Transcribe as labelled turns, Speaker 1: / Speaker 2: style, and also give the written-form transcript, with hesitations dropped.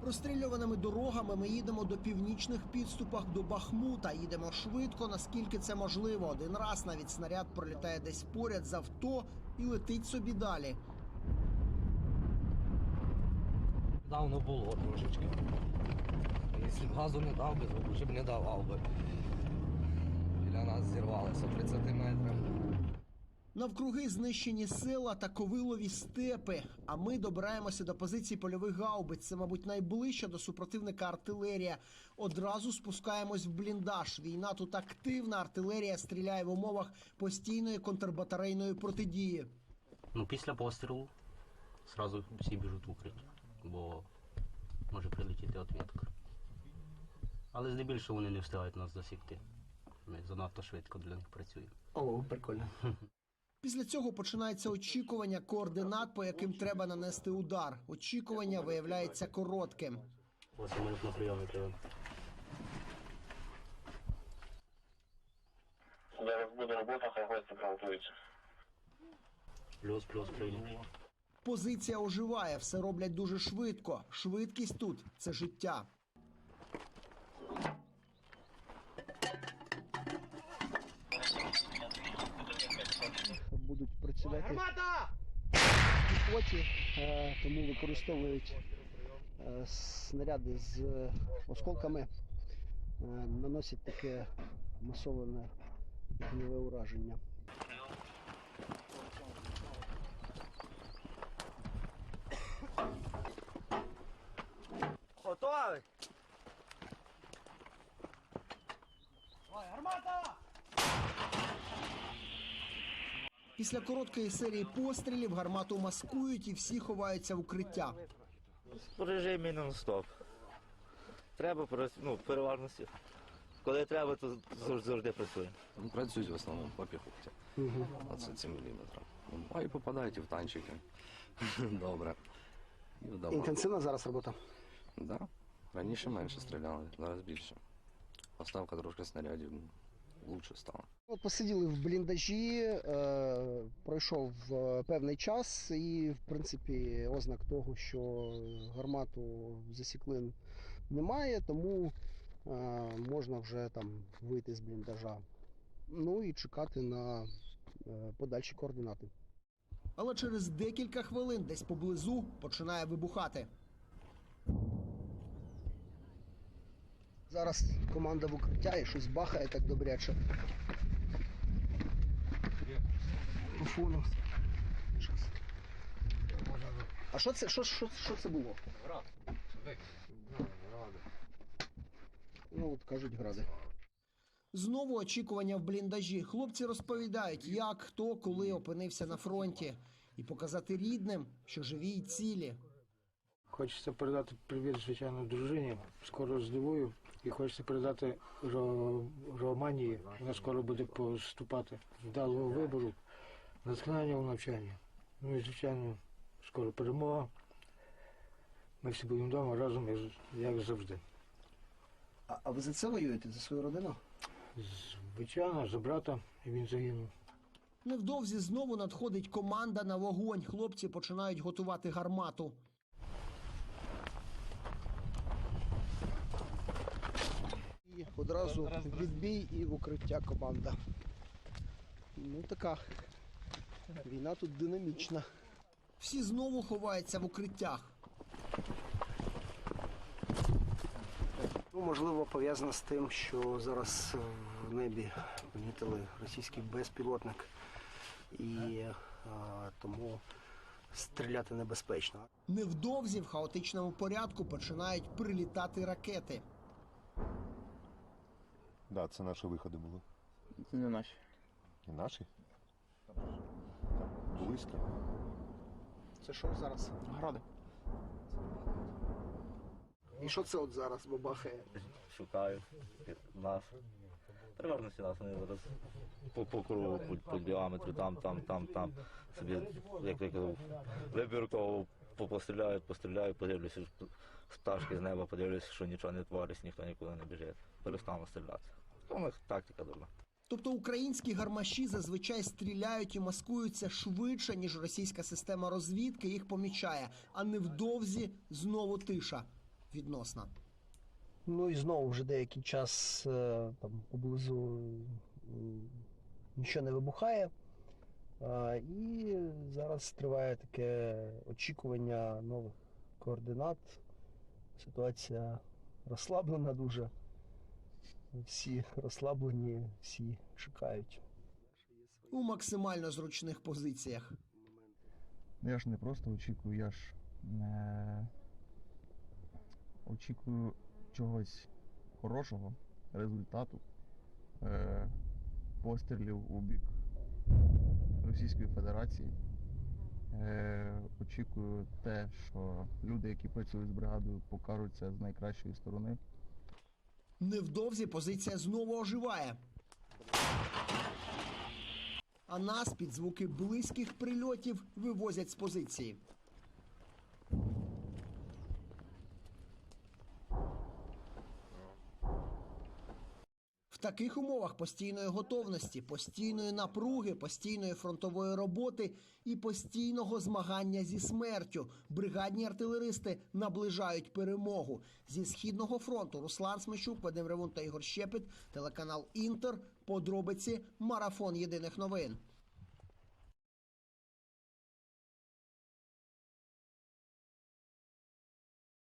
Speaker 1: Розстрілюваними дорогами ми їдемо до північних підступах до Бахмута. Їдемо швидко, наскільки це можливо. Один раз навіть снаряд пролітає десь поряд з авто і летить собі далі.
Speaker 2: Давно було трошечки. Якщо б газу не дав би, то вже б не давав би. Біля нас зірвалося 30 метрів.
Speaker 1: Навкруги знищені села та ковилові степи. А ми добираємося до позицій польових гаубиць. Це, мабуть, найближча до супротивника артилерія. Одразу спускаємось в бліндаж. Війна тут активна, артилерія стріляє в умовах постійної контрбатарейної протидії.
Speaker 3: Після пострілу одразу всі біжуть в укриття, бо може прилетіти відповідка. Але здебільшого вони не встигають нас засікти. Ми занадто швидко для них працюємо.
Speaker 1: О, прикольно. Після цього починається очікування координат, по яким треба нанести удар. Очікування виявляється коротким.
Speaker 3: 8 минут на прийомі треба.
Speaker 4: Зараз буде робота, хай гості приготуються.
Speaker 3: Плюс прийняв.
Speaker 1: Позиція оживає, все роблять дуже швидко. Швидкість тут – це життя. Будуть працювати в піхоті, тому використовують снаряди з осколками, наносять таке масоване вогневе ураження.
Speaker 2: Готовий!
Speaker 1: Після короткої серії пострілів гармату маскують і всі ховаються в укриття.
Speaker 5: В режимі нон-стоп. Треба, переважно, коли треба, то завжди працює.
Speaker 2: Працюють в основному по піхоті. 27 мм. А і попадають і в танчики. Добре.
Speaker 1: Інтенсивна зараз робота?
Speaker 2: Так. Да. Раніше менше стріляли, зараз більше. Поставка трошки снарядів краще стала.
Speaker 1: От посиділи в бліндажі, пройшов певний час і, в принципі, ознак того, що гармату засікли немає, тому можна вже там вийти з бліндажа. Ну і чекати на подальші координати. Але через декілька хвилин десь поблизу починає вибухати. Зараз команда в укриття і щось бахає так добряче. По фону. А що це? Що це було? Град. Ну от кажуть гради. Знову очікування в бліндажі. Хлопці розповідають, як, хто, коли опинився на фронті. І показати рідним, що живі й цілі.
Speaker 6: Хочеться передати привіт, звичайно, дружині. Скоро здивую. І хочеться передати Романії. Вона скоро буде поступати. Вдалого вибору, натхнення у навчанні. Ну і, звичайно, скоро перемога. Ми всі будемо вдома разом, як завжди.
Speaker 1: А ви за це воюєте? За свою родину?
Speaker 6: Звичайно, за брата, і він загинув.
Speaker 1: Невдовзі знову надходить команда на вогонь. Хлопці починають готувати гармату. І одразу відбій і в укриття команда. Ну така, війна тут динамічна. Всі знову ховаються в укриттях. Ну, можливо, пов'язано з тим, що зараз в небі помітили російський безпілотник. І тому стріляти небезпечно. Невдовзі в хаотичному порядку починають прилітати ракети.
Speaker 7: Да, це наші виходи були.
Speaker 5: Це не наші.
Speaker 7: І наші? Близько.
Speaker 1: Це що зараз?
Speaker 5: Гради.
Speaker 1: І що це от зараз бабахає?
Speaker 5: Шукаю нас. Переважно всі нас, вони зараз по кругу, по діаметру, там. Собі, як я казав, вибірково постріляю, подивлюся з пташки з неба, подивлюся, що нічого не твориться, ніхто нікуди не біжить. Перестану стріляти. У них тактика дурна.
Speaker 1: Тобто українські гармаші зазвичай стріляють і маскуються швидше, ніж російська система розвідки їх помічає, а невдовзі знову тиша.
Speaker 8: відносна.
Speaker 1: Ну і знову вже деякий час там поблизу нічого не вибухає. І зараз триває таке очікування нових координат. Ситуація розслаблена дуже. Всі розслаблені, всі чекають.
Speaker 8: У максимально зручних позиціях.
Speaker 9: Я ж не просто очікую, я ж очікую чогось хорошого, результату, пострілів у бік Російської Федерації. Очікую те, що люди, які працюють з бригадою, покажуться з найкращої сторони.
Speaker 8: Невдовзі позиція знову оживає. А нас під звуки близьких прильотів вивозять з позиції. В таких умовах постійної готовності, постійної напруги, постійної фронтової роботи і постійного змагання зі смертю бригадні артилеристи наближають перемогу. Зі Східного фронту Руслан Смещук, Вадим Ревун та Ігор Щепет, телеканал «Інтер», подробиці, марафон єдиних новин.